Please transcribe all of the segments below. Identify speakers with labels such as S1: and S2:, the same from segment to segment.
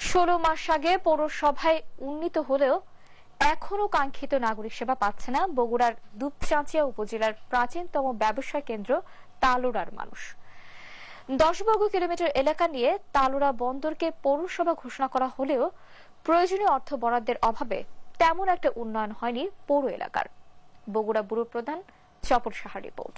S1: 16 মাস আগে পৌরসভায় উন্নীত হলেও এখনো কাঙ্ক্ষিত নাগরিক সেবা পাচ্ছে না বগুড়ার দুপচাঁচিয়া উপজেলার প্রাচীনতম ব্যবসা কেন্দ্র তালোড়ার মানুষ। 10 বর্গ কিলোমিটার এলাকা নিয়ে তালোড়া বন্দরকে পৌরসভা ঘোষণা করা হলেও প্রয়োজনীয় অর্থ বরাদ্দের অভাবে তেমন একটা উন্নয়ন হয়নি পৌর এলাকার। বগুড়া ব্যুরো প্রধান চপল সাহার রিপোর্ট।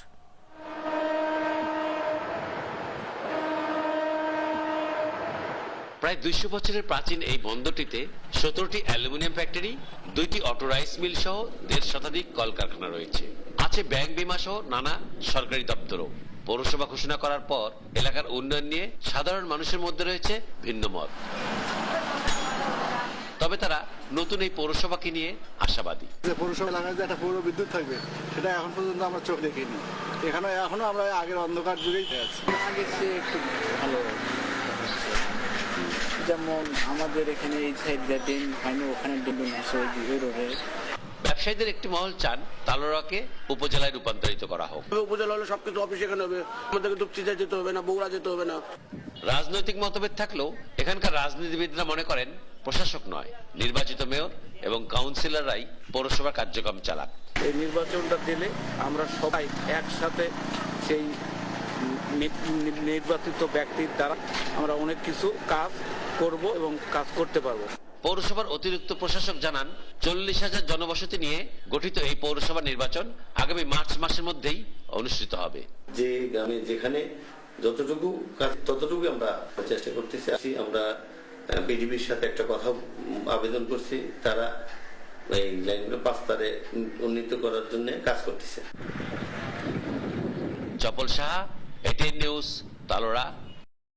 S2: প্রায় 200 বছরের প্রাচীন এই বন্দরটিতে 17টি অ্যালুমিনিয়াম ফ্যাক্টরি, 2টি অটো রাইস মিল সহ 1.5 শতাধিক কলকারখানা রয়েছে। আছে ব্যাংক, বিমা সহ নানা সরকারি দপ্তরও। পৌরসভা ঘোষণা করার পর এলাকার উন্নয়ন নিয়ে সাধারণ মানুষের মধ্যে রয়েছে ভিন্ন মত। তবে তারা নতুন এই পৌরসভাকে নিয়ে আশাবাদী।
S3: পৌরসভা এলাকায় যে একটা পৌর বিদ্যুৎ থাকবে সেটা এখন পর্যন্ত আমরা চোখ দেখিনি। এখনো আমরা আগের অন্ধকার যুগেই আছি।
S4: আগের চেয়ে একটু ভালো, যেমন আমাদের এখানে এই সাইড দিয়ে ড্রেন হয়নি, ওখানে ড্রেন আছে ওই রোডে।
S2: ব্যবসায়ীদের একটি মহল চান তালোড়াকে উপজেলায় রূপান্তরিত করা হোক।
S5: উপজেলা হলে সবকিছু অফিস এখানে হবে, আমাদেরকে দুপচিতে যেতে হবে না, বগুড়া যেতে হবে না।
S2: রাজনৈতিক মতভেদ থাকলেও এখানকার রাজনীতিবিদরা মনে করেন প্রশাসক নয়, নির্বাচিত মেয়র এবং কাউন্সিলররাই পৌরসভা কার্যক্রম চালাক।
S4: এই নির্বাচনটা দিলে আমরা সবাই একসাথে সেই নির্বাচিত ব্যক্তির দ্বারা আমরা অনেক কিছু কাজ করব এবং কাজ করতে পারবো।
S2: পৌরসভার অতিরিক্ত প্রশাসক জানান 40,000 জনবসতি নিয়ে গঠিত এই পৌরসভা নির্বাচন আগামী মার্চ মাসের মধ্যেই অনুষ্ঠিত হবে।
S6: যে গ্রামে যেখানে যতটুকু কাজ ততটুকু আমরা চেষ্টা করতেছি। আমরা পিডিবির সাথে একটা কথা আবেদন করছি, তারা এই লাইনগুলো 5 তারে উন্নীত করার জন্য কাজ করতেছে।
S2: Chapal Saha, ATN news, Talora.